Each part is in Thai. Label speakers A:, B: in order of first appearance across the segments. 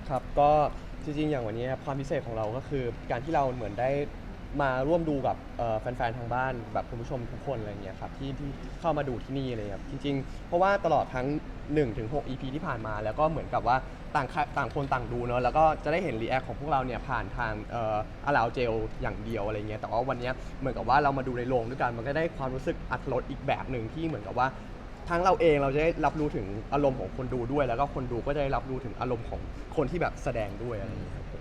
A: ครับก็จริงๆอย่างวันนี้ครับความพิเศษของเราก็คือการที่เราเหมือนได้มาร่วมดูกับแฟนๆทางบ้านแบบคุณผู้ชมทุกคนอะไรเงี้ยครับที่เข้ามาดูที่นี่อะไรครับจริงๆเพราะว่าตลอดทั้ง1-6 EP ที่ผ่านมาแล้วก็เหมือนกับว่าต่างคนต่างดูเนาะแล้วก็จะได้เห็นรีแอคของพวกเราเนี่ยผ่านทางอาราเจลอย่างเดียวอะไรเงี้ยแต่ว่าวันนี้เหมือนกับว่าเรามาดูในโรงด้วยกันมันก็ได้ความรู้สึกอรรถรสอีกแบบหนึ่งที่เหมือนกับว่า ทั้งเราเองเราจะได้รับรู้ถึงอารมณ์ของคนดูด้วยแล้วก็คนดูก็จะได้รับรู้ถึงอารมณ์ของคนที่แบบแสดงด้วยอะไรอย่างเงี้ยครับผม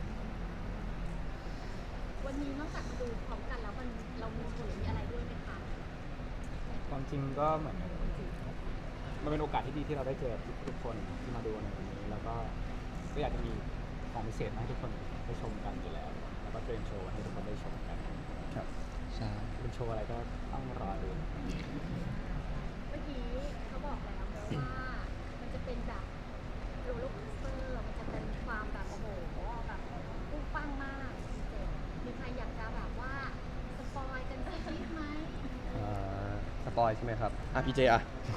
B: วันนี้นอกจากมาดูพร้อมกันแล้วเรามีโชว์หรือมีอะไรด้วยไหมคะ
C: ความจริงก็เหมือนมันเป็นโอกาสที่ดีที่เราได้เจอทุกคนที่มาดูในวันนี้แล้วก็อยากจะมีของพิเศษมาให้ทุกคนได้ชมกันอยู่แล้วแล้วก็เตรียมโชว์ให้ทุกคนได้ชมกัน
A: ครับ
D: ใช่
C: เป็นโชว์อะไรก็ต้องรอดู
B: เมื่อกี้เขาบอกแล้วว่ามันจะเป็นแบบโรลเลอร์โคสเตอร์มันจะเป็นความแบบโอ้โหแบบปุ้งปังมากเจ๋งมีใครอยากจะแบบว่าสปอยกันสักนิดไหม
A: สปอยใช่ไหมครับพี่เจอ่ะ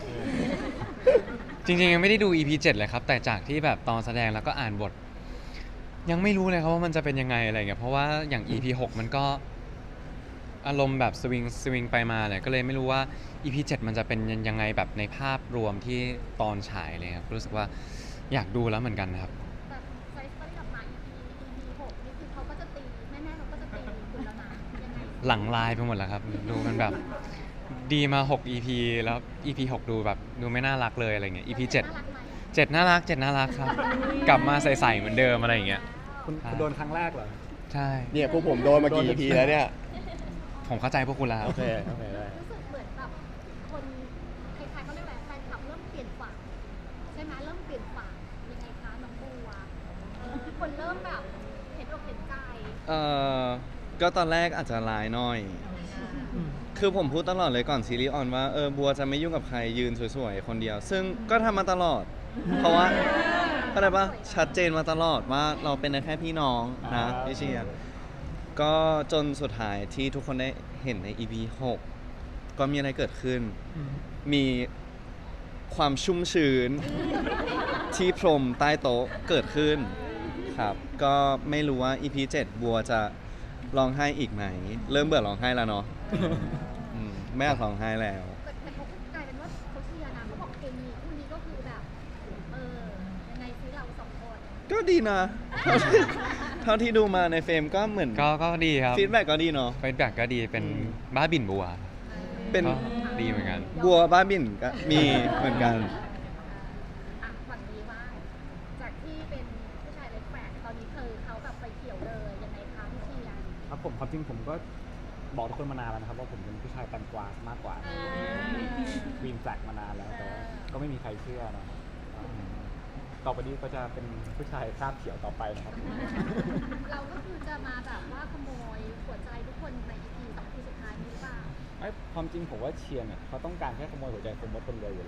D: จริงๆยังไม่ได้ดู EP 7เลยครับแต่จากที่แบบตอนแสดงแล้วก็อ่านบท ยังไม่รู้เลยครับว่ามันจะเป็นยังไงอะไรเงี้ยเพราะว่าอย่าง EP 6มันก็อารมณ์แบบสวิงไปมาเลยก็เลยไม่รู้ว่า EP 7มันจะเป็นยังไงแบบในภาพรวมที่ตอนฉายเลยครับรู้สึกว่าอยากดูแล้วเหมือนกันนะครับ
B: แต่ไซส์ตอนที่ออกมา EP 6นี่คือเขาก็จะตีแม่ๆเขาก็จะตีคุณแล้วนะยังไง
D: หลังลายไปหมดแล้วครับดูมันแบบดีมา6 EP แล้ว EP 6ดูแบบดูไม่น่ารักเลยอะไรเงี้ย EP 7
B: น่ารักไหม
D: 7น่ารัก7น่ารักครับกลับมาใส่ๆเหมือนเดิมอะไรอย่างเงี้ย
C: คุณโดนครั้งแรกเหรอ
D: ใช่
A: เนี่ยพวกผมโดนมากี่ EP แล้วเนี่ย
D: ผมเข้าใจพวกคุณแล้ว
A: โอเคได้
B: รู้สึกเหมือนแบบคนใครๆเขาเรียกอะไรแฟนคลับเริ่มเปลี่ยนฝั่งใช่ไหมเริ่มเปลี่ยนฝั่งยังไงคะน้องบัวคนเริ่มแบบเห็นอกเห็นใจ
E: เอ่อก็ตอนแรกอาจจะร้ายหน่อย คือผมพูดตลอดเลยก่อนซีรีส์ออนว่าบัวจะไม่ยุ่งกับใครยืนสวยๆคนเดียว ซึ่งก็ทำมาตลอด เพราะว่าอะไรปะชัดเจนมาตลอดว่าเราเป็นแค่พี่น้องนะพี่เชียร์ก็จนสุดท้ายที่ทุกคนได้เห็นใน EP 6 ก็มีอะไรเกิดขึ้น มีความชุ่มชื้น ที่พรมใต้โต๊ะเกิดขึ้นครับ ก็ไม่รู้ว่า EP 7 บัวจะร้องไห้อีกไหม เริ่มเบื่อร้องไห้แล้วเนาะไม่อยากร้องไห้แล้ว
B: แต่เขากลายเป็นว่าเขาเชียร์นะเขาบอกเคมีคู่นี้ก็คือแบบยังไงซิเราสองคน
E: ก็ดีนะ เท่าที่ดูมาในเฟรมก็เหมือน
D: ก็ดีครับ
E: ฟีดแบ็กก็ดีเนาะ
D: ฟีดแบ็กก็ดีเป็นบ้าบินบัว
E: เป็น
D: ก็ดีเหมือนกัน
E: บัวบ้าบินก็มีเหมือนกัน
B: ฝั่งนี้ว่าจากที่เป็นผู้ชายเล็กแฝดตอนนี้เขาแบบไปเขียวเลยยังไงคะพี่เชียร์
C: ครับผมความจริงผมก็บอกทุกคนมานานแล้วนะครับว่าผมเป็นผู้ชายแตงกวามากกว่าควีนแฟลกมานานแล้วแต่ว่าก็ไม่มีใครเชื่อนะครับต่อไปนี้ก็จะเป็นผู้ชายคราบเขียวต่อไปนะครับ
B: เราก็คือจะมาแบบว่าขโมยหัวใจทุกคนใน EP 2 EP สุดท้ายนี้หรือเปล่า
C: ความจริงผมว่าเชียร์เนี่ยเขาต้องการแค่ขโมยหัวใจคนมดคนเดียวอยู่แล้ว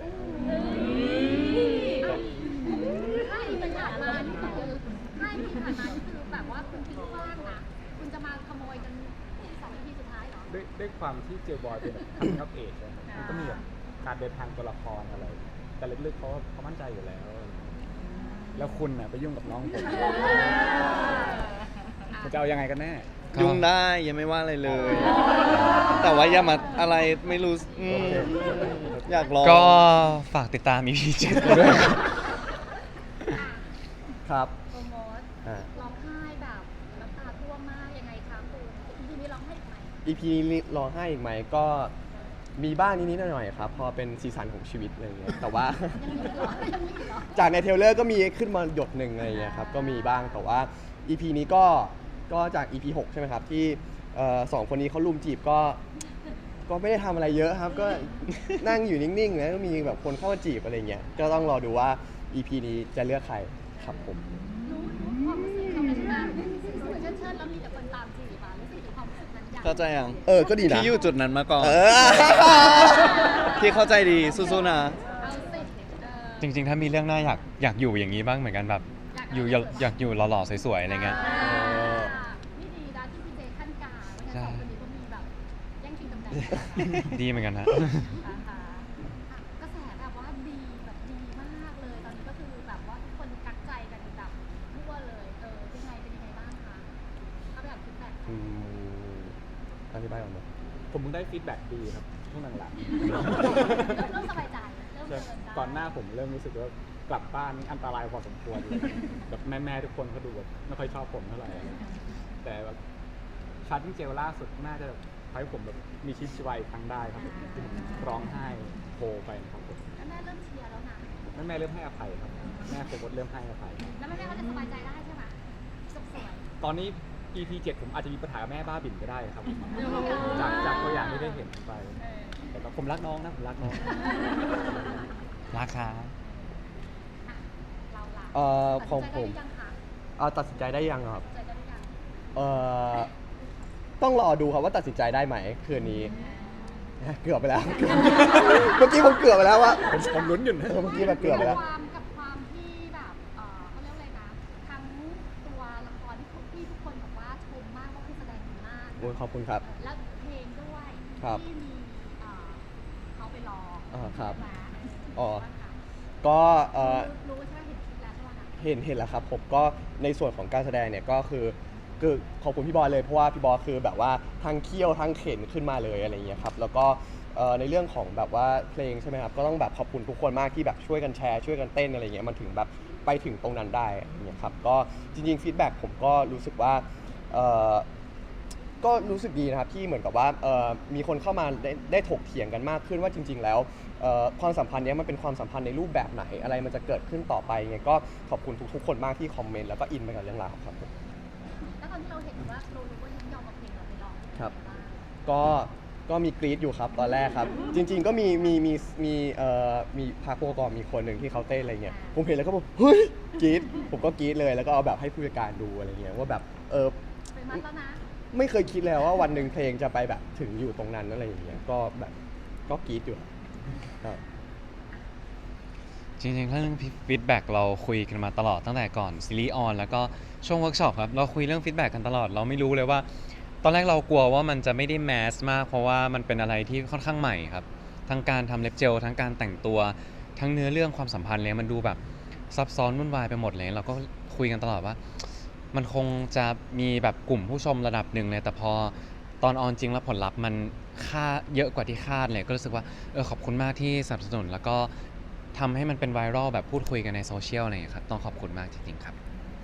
B: ถ้าอีเป็นผ่านมานี่คือถ้าอีผ่านมานี่คือแบบว่าคุณทิ้งกว้างนะคุณจะมาขโมยกัน2 EP สุดท้ายเหรอ
C: ด้วยความที่เจลบอยเป็นแบบ coming of age อะมันก็มีแบบการเดินทางตัวละครอะไร แต่ลึกๆเขามั่นใจอยู่แล้ว แล้วคุณน่ะไปยุ่งกับน้องผมคุณจะเอายังไงกันแน่
E: ยุ่งได้ยังไม่ว่าอะไรเลย แต่ว่าอย่ามาอะไรไม่รู้อยากลอง
D: ก็ฝากติดตาม EP 7ด้วยครับ
A: ครับ
B: โปรโมท
A: อ่า
B: ร้องไห้แบบน้ำตาท่วมมากยังไงคะคุณ EP นี้ร้องไห้อีกไหม
A: EP นี้ร้องไห้อีกไหมก็มีบ้างนิดๆหน่อยๆครับพอเป็นซีซันของชีวิตอะไรเงี้ยแต่ว่า
B: ยังมีอีกเหรอยังมีอีกเหรอ
A: จากในเทรลเลอร์ก็มีขึ้นมาหยดหนึ่งอะไรเงี้ยครับก็มีบ้างแต่ว่า EP นี้ก็จาก EP 6 ใช่ไหมครับที่สองคนนี้เขาลุมจีบก็ไม่ได้ทำอะไรเยอะครับก็ นั่งอยู่นิ่งๆนะก็มีแบบคนเข้ามาจีบอะไรเงี้ยก็ต้องรอดูว่า EP นี้จะเลือกใครครับผม
B: รู้ความรู้สึกเขาไหมใช่ไหมสวยๆเชิดๆแล้วมีแต่คนตามจีบอ่ะรู้สึกถึงความรู้สึกนั้นยัง
E: เข้าใจยัง
A: ก็ดีนะ
E: พี่อยู่จุดนั้นมาก่อน
A: เออ
E: พี่เข้าใจดีสู้ๆนะ
B: เอาสิ
D: จริงๆ ถ้ามีเรื่องหน้าอยากอยู่อย่างนี้บ้างเหมือนกันแบบอยากอยู่หล่อๆสวยๆอะไรเงี้ย
B: นี่ดีนะที่พี่เจขั้นกลางไม่
D: ใช่
B: งั้นสองคนนี้ก็มีแบบแย่งชิงตำแหน่ง
D: ดีเหมือนกันฮะ
B: กระแสแบบว่าดีแบบดีมากเลยตอนนี้ก็คือแบบว่าทุกคนกักใจกันแบบทั่วเลย
A: อธิบายก่อนไหม
C: ผมเพิ่งได้ฟีดแบ็กดีครับช่วงหลัง
B: เริ่มสบายใจเริ่ม
C: ๆ
B: เดินได้
C: ก่อนหน้าผมเริ่มรู้สึกว่ากลับบ้านนี่อันตรายพอสมควรเลยแบบแม่ๆทุกคนเขาดูแบบไม่ค่อยชอบผมเท่าไหร่แต่แบบชาร์จเจลล่าสุดน่าจะทำให้ผมแบบมีชีวิตชีวาอีกครั้งได้ครับที่ผมร้องไห้โฮไปนะครับผม
B: แล้วแม่เริ่มเชียร์แล้วนะ
C: แม่เริ่มให้อภัยครับแม่โฟกัสเริ่มให้อภัย
B: แล้วแม่ก็จะสบายใจได้ใช่ไหมจบสวย
C: ตอนนี้ EP 7ผมอาจจะมีปัญหากับแม่บ้าบิ่นก็ได้ครับ จากตัวอย่างที่ได้เห็นไป แต่ก็ผมรักน้องนะผมรักน้อง
D: ราคา
B: เราล่ะ
A: ของผม
B: ตัดสินใจได้หรือยังคะ
A: ตัดสินใจได้ยังครับ
B: ตัดสินใจได้หรือยัง
A: เอ่อต้องรอดูครับว่าตัดสินใจได้ไหมคืนนี้ เกือบไปแล้ว เมื่อกี้ผมเกือบไปแล้วว่า
C: ผมลุ้นอยู่นะ
A: เมื่อกี้แบบเกือบไปแล้ว
B: ความที่แบบเขาเรียกอะไรนะทั้งตัวละครที่ทุกคนบอกว่าชมมากว่าคือแสดงดีมาก
A: โอ้ยขอบคุณครับ
B: แล้วเพลงด้วย
A: ครับ
B: ที่มีเขาไปร้อง
A: ครับ
B: ใช่ไหม
A: อ๋อ
B: ว่าค่ะ
A: ก็
B: รู้ใช่ไหมเห็นคลิปแล้วใช่ไหมคะ
A: เห็นแล้วครับผมก็ในส่วนของการแสดงเนี่ยก็คือขอบคุณพี่บอยเลยเพราะว่าพี่บอยคือแบบว่าทั้งเคี่ยวทั้งเข็นขึ้นมาเลยอะไรเงี้ยครับแล้วก็ในเรื่องของแบบว่าเพลงใช่ไหมครับก็ต้องแบบขอบคุณทุกคนมากที่แบบช่วยกันแชร์ช่วยกันเต้นอะไรเงี้ยมันถึงแบบไปถึงตรงนั้นได้อะไรเงี้ยครับก็จริงๆฟีดแบ็กผมก็รู้สึกว่าก็รู้สึกดีนะครับที่เหมือนกับว่ามีคนเข้ามาได้ถกเถียงกันมากขึ้นว่าจริง ๆ แล้วความสัมพันธ์เนี้ยมันเป็นความสัมพันธ์ในรูปแบบไหนอะไรมันจะเกิดขึ้นต่อไปไงก็ขอบคุณทุกๆคนมากที่คอมเมนต์แล้วก็อินไปกับเรื่องราวครับผม
B: แล้วตอนที่เราเห็นว่าเรารู้ว่ายินยอมเอาเพลงเราไปร้อง
A: ครับ ก็มีกรี๊ดอยู่ครับตอนแรกครับ จริง ๆ ก็มีพาร์ทโปรกรมีคนหนึ่งที่เขาเต้นอะไรเงี้ยผมเห็นแล้วก็บอกเฮ้ยกรี๊ดผมก็กรี๊ดเลยแล้วก็เอาแบบให้ผู้จัดการดูอะไรเงี้ยว่าแบบ
B: ไปมัดแล้วนะ
A: ไม่เคยคิดเลยว่าวันหนึ่งเพลงจะไปแบบถึงอยู่ตรงนั้นอะไรอย่างเงี้ยก็แบบก็กรี๊ดอยู่ครับ
D: จริงๆเรื่องฟีดแบ็กเราคุยกันมาตลอดตั้งแต่ก่อนซีรีส์ออนแล้วก็ช่วงเวิร์กช็อปครับเราคุยเรื่องฟีดแบ็กกันตลอดเราไม่รู้เลยว่า ตอนแรกเรากลัวว่ามันจะไม่ได้แมสมากเพราะว่ามันเป็นอะไรที่ค่อนข้างใหม่ครับทั้งการทำเล็บเจลทั้งการแต่งตัวทั้งเนื้อเรื่องความสัมพันธ์เลยมันดูแบบซับซ้อนวุ่นวายไปหมดเลยเราก็คุยกันตลอดว่า มันคงจะมีแบบกลุ่มผู้ชมระดับหนึ่งเลยแต่พอตอนออนจริงแล้วผลลัพธ์มันค่าเยอะกว่าที่คาดเลยก็รู้สึกว่าขอบคุณมากที่สนับสนุนแล้วก็ทำให้มันเป็นไวรัลแบบพูดคุยกันในโซเชียลอะไรอย่างเงี้ยครับต้องขอบคุณมากจริงๆครับ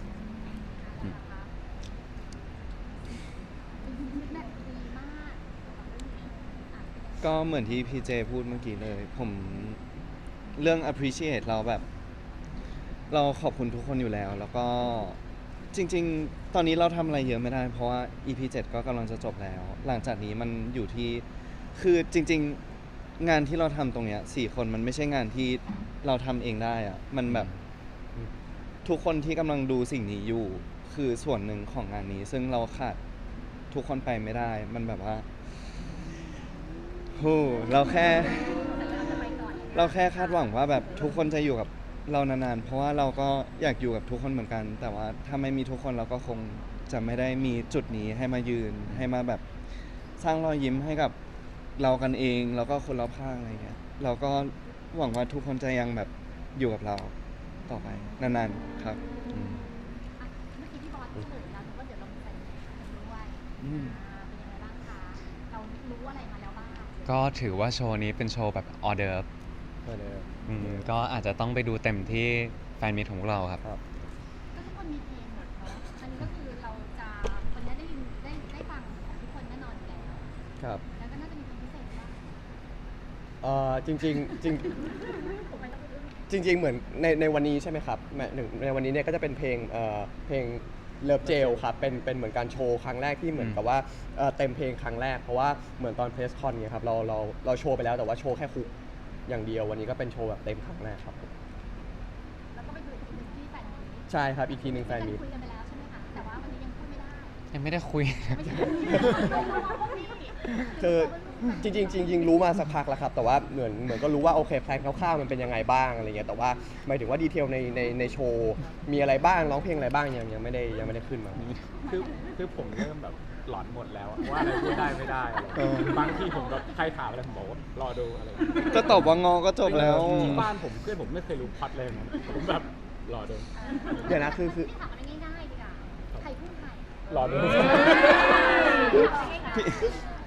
B: แบบดีมาก
E: ก็เหมือนที่พี่เจพูดเมื่อกี้เลย ผมเรื่อง appreciate เราแบบ เราขอบคุณทุกคนอยู่แล้ว แล้วก็จริง ๆ ตอนนี้เราทำอะไรเยอะไม่ได้ เพราะว่า EP 7 ก็กำลังจะจบแล้ว หลังจากนี้มันอยู่ที่คือจริง ๆ งานที่เราทำตรงเนี้ย4 คนมันไม่ใช่งานที่เราทำเองได้อะมันแบบทุกคนที่กำลังดูสิ่งนี้อยู่คือส่วนหนึ่งของงานนี้ ซึ่งเราขาดทุกคนไปไม่ได้ มันแบบว่าโหเราแค่คาดหวังว่าแบบทุกคนจะอยู่กับเรานานๆ เพราะว่าเราก็อยากอยู่กับทุกคนเหมือนกัน แต่ว่าถ้าไม่มีทุกคนเราก็คงจะไม่ได้มีจุดนี้ให้มายืนให้มาแบบสร้างรอยยิ้มให้กับเรากันเองแล้วก็คนรอบข้างอะไรเงี้ยเราก็หวังว่าทุกคนจะยังแบบอยู่กับเราต่อไปนานๆครับ
B: เมื่อกี้พี่บอสเฉลยแล้วว่าเดี๋ยวเรามีแฟนกันด้วย
E: อืม
B: เป็นยังไงบ้างคะ เรารู้อะไรมาแล้วบ้าง
D: ก็ถือว่าโชว์นี้เป็นโชว์แบบออเดิร์ฟก็อาจจะต้องไปดูเต็มที่แฟนมิตของพวกเราครับ
A: ครับ
B: ก็ทุกคนมีเพลงหมดเนาะอันนี้ก็คือเราจะวันนี้ได้ฟังของทุกคนแน่นอนอยู่แล้ว
A: ครับ
B: แล้วก็น่าจะมีเพลงพิเศษว่า
A: จริงๆจริง ๆ เหมือนในวันนี้ใช่ไหมครับในวันนี้เนี่ยก็จะเป็นเพลงเลิฟเจลครับเป็นเหมือนการโชว์ครั้งแรกที่เหมือนกับว่าเต็มเพลงครั้งแรกเพราะว่าเหมือนตอนเพรสคอนเนี่ยครับเราโชว์ไปแล้วแต่ว่าโชว์แค่คุกอย่างเดียววันนี้ก็เป็นโชว์แบบเต็มครั้งแรกครับ
B: แล้วก็ไปดูอีกทีหนึงที่แฟนมีต
A: ใช่ครับอีกทีหนึ่งแฟนมีต
B: คุยกันไปแล้วใช่ไหมคะ แต่ว่าวันนี้ยังพูดไม่ได้
D: ยังไม่ได้คุย
B: ไม่ใช่เราพวกนี้
A: คือจริงๆรู้มาสักพักแล้วครับแต่ว่าเหมือนก็รู้ว่าโอเคแพลนคร่าวๆมันเป็นยังไงบ้างอะไรเงี้ยแต่ว่าหมายถึงว่าดีเทลในโชว์มีอะไรบ้างร้องเพลงอะไรบ้างยังไม่ได้ขึ้นมา
C: คือผมเริ่มแบบหลอนหมดแล้วอะว่าอะไรพูดได้ไม่ได้อะไรบางทีผมแบบใครถามอะไรผมบอกว่ารอดูอะไร
E: ก็ตอบว่างอก็จบแล้ว
C: ที่บ้านผมเพื่อนผมไม่เคยรู้พล็อตเลยนะผมแบบรอดู
A: เดี๋ยวนะคือ
B: พี่ถามอะไรง่ายๆดีกว่าใครพูดใคร
C: รอดู
E: พี่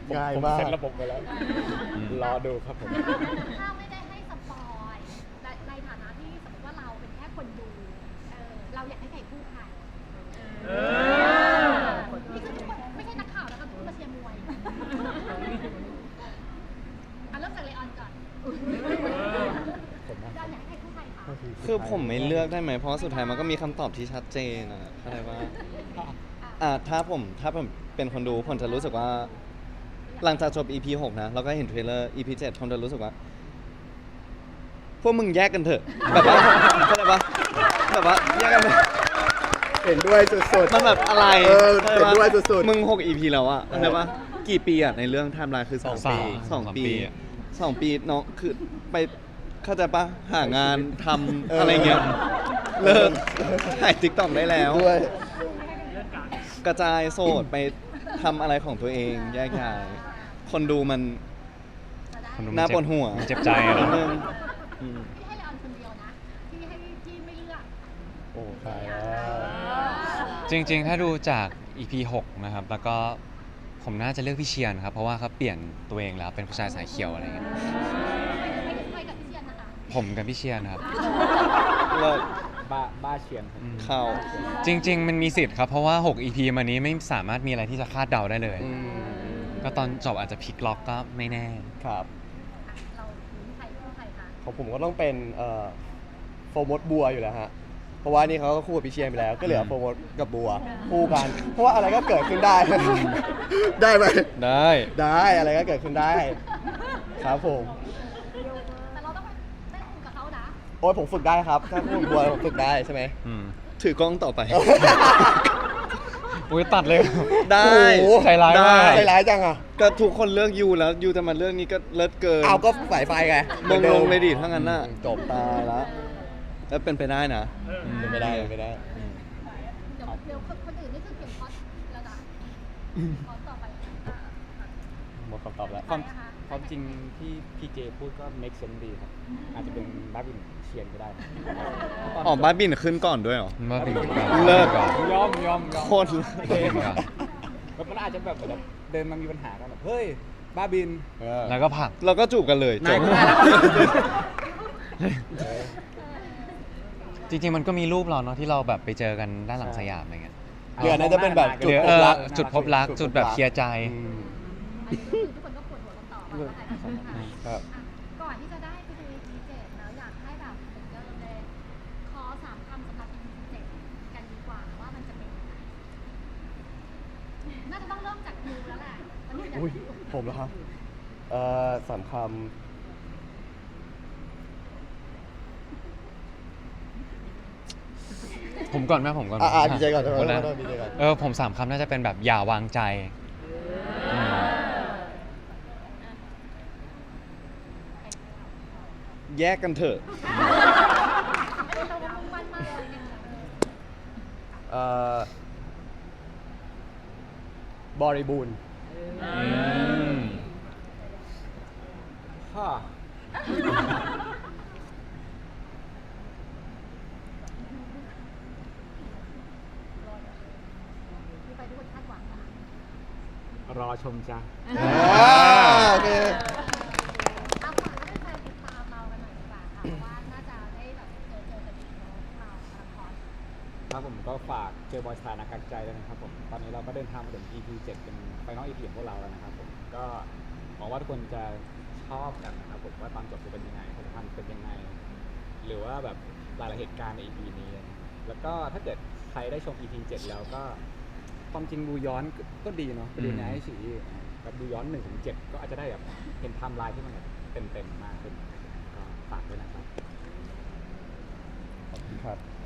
A: ง่าย
C: ผม
A: มาก
C: เซ็ตระบบไปแล้ว
D: อืม
C: รอดูครับผม
B: ถ้าไม่ได้ให้สปอยในฐานะที่สมมติว่าเราเป็นแค่คนดูเราอยากให้ใครคู่ใครนี่คือทุกคนไม่ใช่นักข่าวนะคะทุกคนมาเชียร์มวยเริ่มจากเลออนก่อน
C: ผมนะ
B: เราอยากให้ใครคู่ใครคะ
E: คือผมไม่เลือกได้ไหมเพราะว่าสุดท้ายมันก็มีคำตอบที่ชัดเจนนะเข้าใจว่าถ้าผมเป็นคนดูผมจะรู้สึกว่า หลังจากจบ EP 6 นะ แล้วก็เห็นเทรลเลอร์ EP 7 ผมจะรู้สึกว่า พวกมึงแยกกันเถอะ แบบว่าเข้าใจปะแบบว่าแยกกันเถอะ
A: เห็นด้วยสุดๆ
E: มันแบบอะไร
A: เห็นด้วยสุดๆ
E: มึง6 EP แล้วอะเข้าใจปะกี่ปีอะในเรื่องไทม์ไลน์คือ 2 ปี
D: สองปีอะ
E: 2 ปีน้องคือไปเข้าใจปะหางานทำอะไรเงี้ย เลิกถ่ายติ๊กต็อกได้แล้ว
A: ด้วย
E: กระจายโสดไปทำอะไรของตัวเองแยกย้ายคนดูมัน
B: จะได้
D: คนดู
E: น่าปวดหัว
D: มันเจ็บใจอะ
E: นิด
D: เนาะ
E: นึงอืม
B: พี่ให้เลออนคนเดียวนะที่ไม่เลือก
A: โอ้ตายแล้ว
D: จริงๆ ถ้าดูจาก EP 6 นะครับ แล้วก็ผมน่าจะเลือกพี่เชียนครับ เพราะว่าเขาเปลี่ยนตัวเองแล้วเป็นผู้ชายสายเขียวอะไรเงี้ย
B: ไม่ถึงใครกับพี่เชียนนะคะ
D: ผมกับพี่เชียนครับ
E: เลิก
C: บ้าเชียนครับ
E: เข้า
D: จริง ๆ มันมีสิทธิ์ครับ เพราะว่า 6 EP มานี้ไม่สามารถมีอะไรที่จะคาดเดาได้เลย
A: อืม
D: ก็ตอนจบอาจจะพลิกล็อกก็ไม่แน่
A: ครับ
B: เราใครคู่ใครคะ
A: ของผมก็ต้องเป็นโฟร์มดบัวอยู่แล้วฮะ เพราะว่านี่เขาก็คู่กับพี่เชียนไปแล้ว ก็เหลือโฟร์มดกับบัวคู่กัน เพราะว่าอะไรก็เกิดขึ้นได้ ได้ไหม
D: ได้
A: ได้อะไรก็เกิดขึ้นได้ ครับผม
B: แต่เราต้องไปเต้นกับเขานะ
A: โอ้ยผมฝึกได้ครับ ถ้าคู่กับบัวผมฝึกได้ใช่ไหม
D: อืม
E: ถือกล้องต่อไป
D: อุ้ยตัดเลย
E: ได้
A: โอ้โห
D: ใจร้ายมาก
E: ได้
A: ใจร้ายจังอ่ะ
E: ก็ทุกคนเลือกยูแล้วยูจะมาเลือกนี้ก็เลิศเกิน
A: เอาก็สายไฟไง
E: มงลงเลยดิถ้างั้นน่ะ
A: จบ
E: ตายละแล้วเป็นไปได้นะ
A: เป็นไม่ได้เป็นไม่ได้
B: เดี๋ยวคนอื่นนี่คือเก็บคอสแล้วนะคอสต่อไป
A: หมดคำตอบแล้ว
C: ความจริงที่พี่เจพูดก็ make sense ดีครับ อาจจะเป็นบ้าบินเชียนก็ได้นะ
E: อ๋อบ้านบินขึ้นก่อนด้วยเหรอ
D: ว่าเป็น
E: เลิก
D: ก่อน
C: ยอม
E: โคตร
D: ก่อน
C: แบบมันอาจจะแบบเดินมามีปัญหากันแบบเฮ้ยบ้าบิน
D: แล้วก็ผลัก
E: เราก็จูบกันเลยจ
C: นาย
E: บ
C: ก็ได้แล้ว
D: จริง ๆ มันก็มีรูปเราเนาะที่เราแบบไปเจอกันด้านหลังสยามอะไรเงี้ย
A: เรือน่าจะเป็นแบบ
D: หรือ
A: จุดพบรัก
D: จุดพบรักจุดแบบเคลียร์ใจ
A: อืม
B: ทุกคนก็ปวดหัวกันต่อว่าใครเป็นใคร
A: ครับ
B: ก่อนที่จะได้ไปดู EP 7แล้วอยากให้แบบเหมือนเดิมเลยขอ3 คำสำหรับ EP 7กันดีกว่าว่ามันจะเป็นยังไงน่าจะต้องเริ่มจากยูแล้วแหละมันมีแต่
A: อุ้ยผมเหรอครับสามคำ
D: ผมก่อนไหมผมก่อนไหม
A: ดีใจก่อน
D: หมดแล้ว
A: ดีใจก่อน
D: ผม3 คำน่าจะเป็นแบบอย่าวางใจอืม
E: แยกกันเถอะ
B: เรามุ่งมั่นมากเลยเนี่ย
A: บริบูรณ์
D: อืม
C: ฮ่า
B: ดูไปทุกคนคาดหวังนะ
C: รอชมจ้า
A: โอเค
B: เอาฝากให้แฟนติดตามเรากันหน่อยดีกว่าค่ะเพราะว่าน่าจะได้แบบเจอกันอีกเนาะเราละคร
C: ครับผมก็ฝากเจอบอยสถานะกักใจด้วยนะครับผมตอนนี้เราก็เดินทางมาถึง EP 7เป็นไฟนอล EP ของพวกเราแล้วนะครับผมก็หวังว่าทุกคนจะชอบกันนะครับผมว่าตอนจบจะเป็นยังไงผลพันธ์เป็นยังไง หรือว่าแบบหลายๆเหตุการณ์ใน EP นี้ แล้วก็ถ้าเกิดใครได้ชม EP 7 แล้วก็ความจริงดูย้อนก็ดีเนาะไปดูในไอซีแบบดูย้อน1 ถึง 7 ก็อาจจะได้แบบเห็นไทม์ไลน์ที่มันแบบเต็มๆมากขึ้นก็ฝากด้วยนะครับ
A: ขอบคุณครับ